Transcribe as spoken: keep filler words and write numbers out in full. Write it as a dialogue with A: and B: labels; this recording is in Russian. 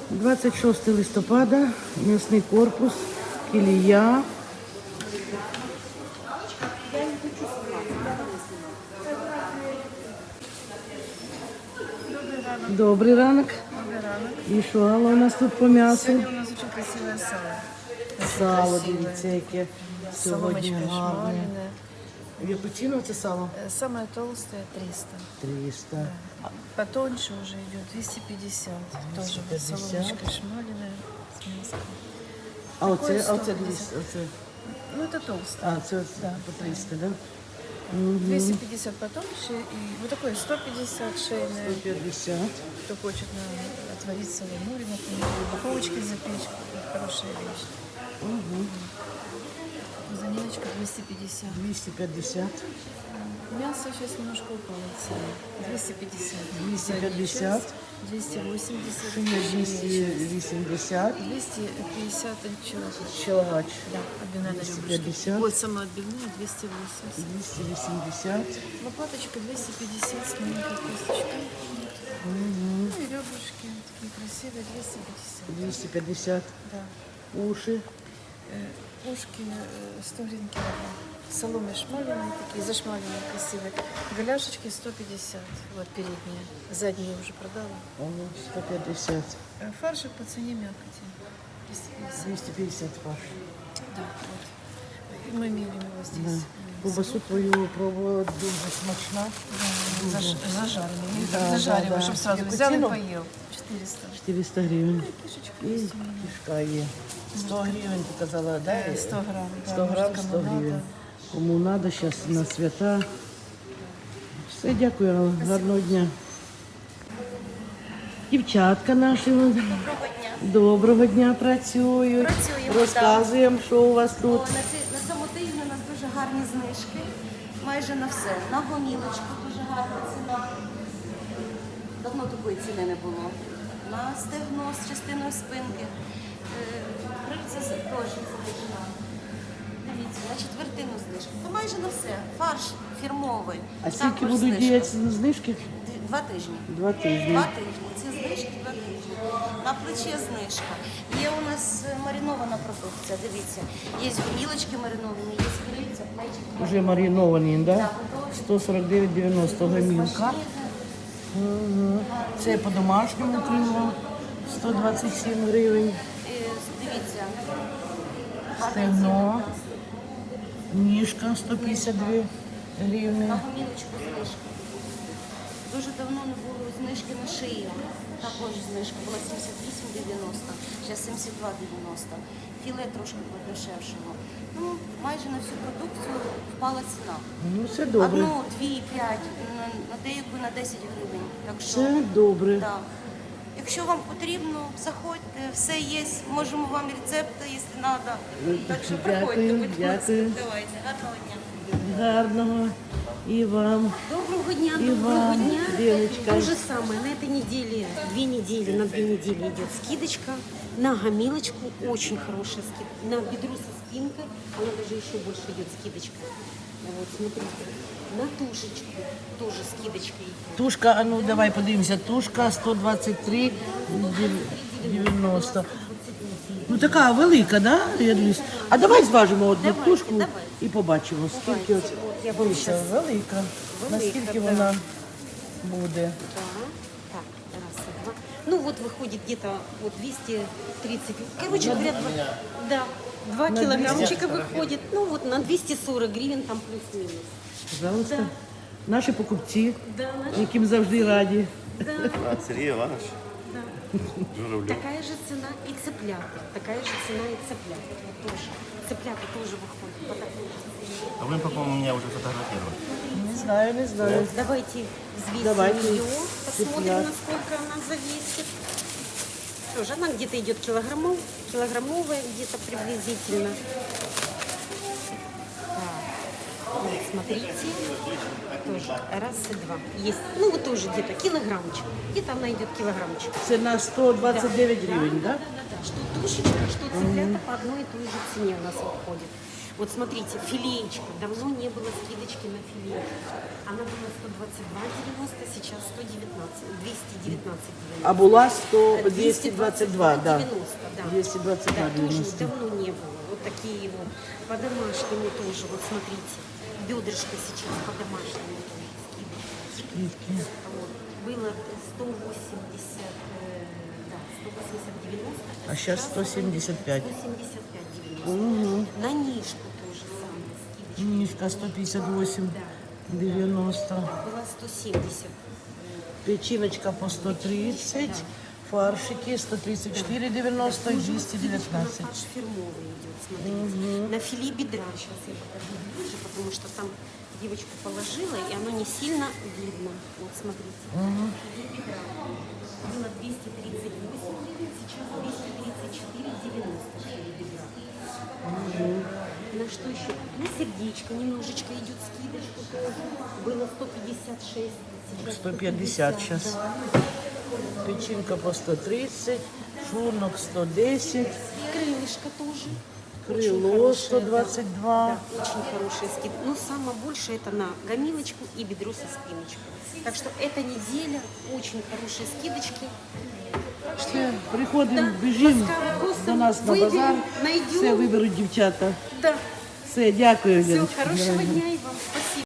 A: двадцять шосте листопада, м'ясний корпус, кілія. Добрий ранок.
B: Добрий ранок.
A: І що Алла у нас тут по м'ясу?
B: Сьогодні у нас дуже красиве сало. Дуже
A: Сало,
B: красиве.
A: дивіться, яке сьогодні
B: Соломочка
A: гарне.
B: шмаленая.
A: В яку ціну це сало?
B: Э, Самое толстое триста.
A: триста.
B: Потоньше уже идет двести пятьдесят. Тоже вот
A: двести пятьдесят.
B: соломочка шмаленая с мяском.
A: А оце,
B: Такое
A: а оце,
B: сто пятьдесят.
A: дивіться, оце.
B: Ну это толстое.
A: А, це
B: Да.
A: по триста, да?
B: двести пятьдесят потоньше и вот такое сто пятьдесят шейное.
A: сто п'ятдесят.
B: Кто хочет на, отварить соломури, например, в духовочке запечь. Хорошая вещь. Заниночка двести пятьдесят.
A: двісті п'ятдесят.
B: Мясо сейчас немножко упало в цене. двести пятьдесят.
A: двісті п'ятдесят.
B: двести восемьдесят.
A: Шиня двісті вісімдесят.
B: двести пятьдесят человек.
A: Челгач
B: Да, отбивная на
A: двести
B: ребрышке.
A: пятьдесят.
B: Вот сама отбивная двести восемьдесят.
A: двісті вісімдесят.
B: Лопаточка двести пятьдесят с маленькой косточкой. Ну и ребрышки такие красивые двести пятьдесят.
A: двісті п'ятдесят.
B: Да.
A: Уши.
B: Э, Ушки э, сто гривен килограмм. Соломы шмаленые такие, зашмаленные, красивые. Голяшечки сто пятьдесят. Вот передние. Задние уже продала.
A: Ого, сто п'ятдесят.
B: Э, Фаршик по цене мякоти. двести пятьдесят.
A: двісті п'ятдесят ваш.
B: Да, вот. И мы мелим его
A: Да.
B: здесь.
A: Ковбасу твою пробувала, дуже смачна.
B: Да. Заж, зажаренный.
A: Да,
B: Зажариваю,
A: да, да.
B: чтобы сразу
A: Яку
B: взял и
A: ціну?
B: поел. четыреста.
A: чотириста гривень.
B: Кишечка
A: І
B: есть у меня.
A: кишка є. сто гривень, ти казала, да?
B: Э, сто грамм. да,
A: сто грам,
B: может,
A: сто
B: кому
A: гривень.
B: надо.
A: Кому треба, зараз на свята. Все, дякую, Алла. Гарного дня. Дівчатка наші. Доброго
C: дня.
A: Доброго дня працюють.
C: Працюємо,
A: Розказуємо, що у вас
C: О,
A: тут.
C: на, ці, на цьому тижні у нас дуже гарні знижки. Майже на все. На гомілочку дуже гарна ціна. Давно такої ціни не було. На стегно з частиною спинки. Е, Крильця з- теж знижка. Дивіться, на четвертину знижки. То майже на все. Фарш фірмовий.
A: А скільки
C: також
A: будуть
C: знижка.
A: діяти знижки?
C: Дві- Два тижні.
A: Два тижні.
C: Два тижні. Ці знижки два тижні. На плече знижка. Є у нас е, маринована продукція. Дивіться, є гомілочки мариновані, є крильця, плечики.
A: Вже мариновані, да?
C: Так, готові.
A: сто сорок дев'ять дев'яносто гамілка. Угу. Це по-домашньому крило. сто двадцять сім гривень.
C: Е, Дивіться.
A: Стегно. Ніжка сто п'ятдесят дві гривні.
C: На гомілочку знижка. Дуже давно не було знижки на шию. Також знижка була сімдесят вісім дев'яносто, зараз сімдесят два дев'яносто. Філе трошки подешевшого. Ну, майже на всю продукцію впала ціна.
A: Ну, все добре.
C: Одну, дві, п'ять, на, на деяку на десять гривень. Так що,
A: Все добре.
C: да. Якщо вам потрібно, заходьте, все є, можемо вам рецепти, якщо треба. Так що приходьте,
A: Дякую,
C: будь ласка.
A: дякую.
C: Давайте, гарного дня.
A: Гарного. І вам.
D: Доброго дня,
A: И
D: доброго
A: вам,
D: дня.
A: Леночка.
D: То же самое. На этой неделе, две недели, на две недели идет скидочка. На гомилочку очень хорошая скидка. На бедро со спинкой, она даже еще больше идет скидочка. Вот, смотрите. На тушечку тоже скидочка идет.
A: Тушка, а ну давай подивимося. Тушка сто двадцять три дев'яносто. Ну така велика, да? Я дивлюсь. А давай зважимо одну
C: Давайте,
A: тушку
C: давайте.
A: і побачимо, скільки от.
D: Я вам
A: Дивіться,
D: щас-
A: велика. Наскільки
D: да.
A: вона буде?
D: Да. Так, раз, два. Ну вот выходит где-то вот двести тридцать. Короче говоря, два, да, два
A: На
D: килограммчика выходит. Ну вот на двести сорок гривен там плюс-минус.
A: Пожалуйста.
D: Да.
A: Наші покупці,
D: Да, наши-
A: яким завжди раді.
D: да.
E: А, Сергей Иванович,
D: Да.
E: Журавлев.
D: Такая же цена и цыплята. Такая же цена и цыплята. Вот тоже. Цыплята тоже выходят по такой же цене.
E: А вы, по-моему, меня уже фотографировали.
A: Не знаю, не знаю.
D: Давайте взвесим
A: Давайте.
D: ее, посмотрим,
A: Цыплят.
D: насколько она завесит. Тоже она где-то идет килограммов, килограммовая где-то приблизительно. Так, вот смотрите, тоже раз и два. Есть, ну вот тоже где-то килограммчик. Где-то она идет килограммчик.
A: Це на сто двадцять дев'ять гривень, да?
D: Да, да, да. Что тушечка, что цыплята по одной и той же цене у нас выходит. Вот смотрите, филеечка. Давно не было скидочки на филеечку. Она была сто двадцать два девяносто, сейчас сто девятнадцать, двести девятнадцать девяносто.
A: А була сто, двести двадцать два, да.
D: девяносто, да.
A: двести двадцать два
D: Да, тоже
A: девяносто.
D: давно не было. Вот такие вот. По-домашнему тоже. Вот смотрите. Бедрышко сейчас по-домашнему тоже. Скидочка.
A: Скидки.
D: Вот. Было сто восемьдесят, э, да, сто восемьдесят девяносто.
A: А сейчас сто семьдесят пять.
D: сто семьдесят пять девяносто.
A: Угу.
D: На нишку тоже самое. Скидочка.
A: Низко сто пятьдесят восемь девяносто.
D: Была сто семьдесят.
A: Печеночка по сто тридцать. Фаршики сто тридцать четыре девяносто и двести девятнадцать.
D: Фарш фирмовый идет, смотрите. На филе бедра. Сейчас я покажу ближе, потому что там девочка положила, и оно не сильно видно. Вот смотрите. Филе бедра. Было двести тридцать восемь гривен, сейчас двести тридцать четыре девяносто филе бедра. На что еще? На сердечко немножечко идет скидочка тоже. Было сто пятьдесят шесть. Сейчас
A: сто пятьдесят сейчас.
D: да.
A: Печенька по сто тридцать. Шурнок сто десять.
D: Крылышко тоже.
A: Крыло сто двадцать два.
D: Да, очень хорошие скидки. Но самое большее это на гомилочку и бедро со спиночкой. Так что эта неделя очень хорошие скидочки.
A: Все, приходимо, біжимо
D: ласкаво просимо,
A: до нас на
D: виберемо,
A: базар.
D: найдемо.
A: Все виберуть дівчата.
D: Да.
A: Все, дякую,
D: Все,
A: Леночка.
D: хорошего дня и вам. Спасибо.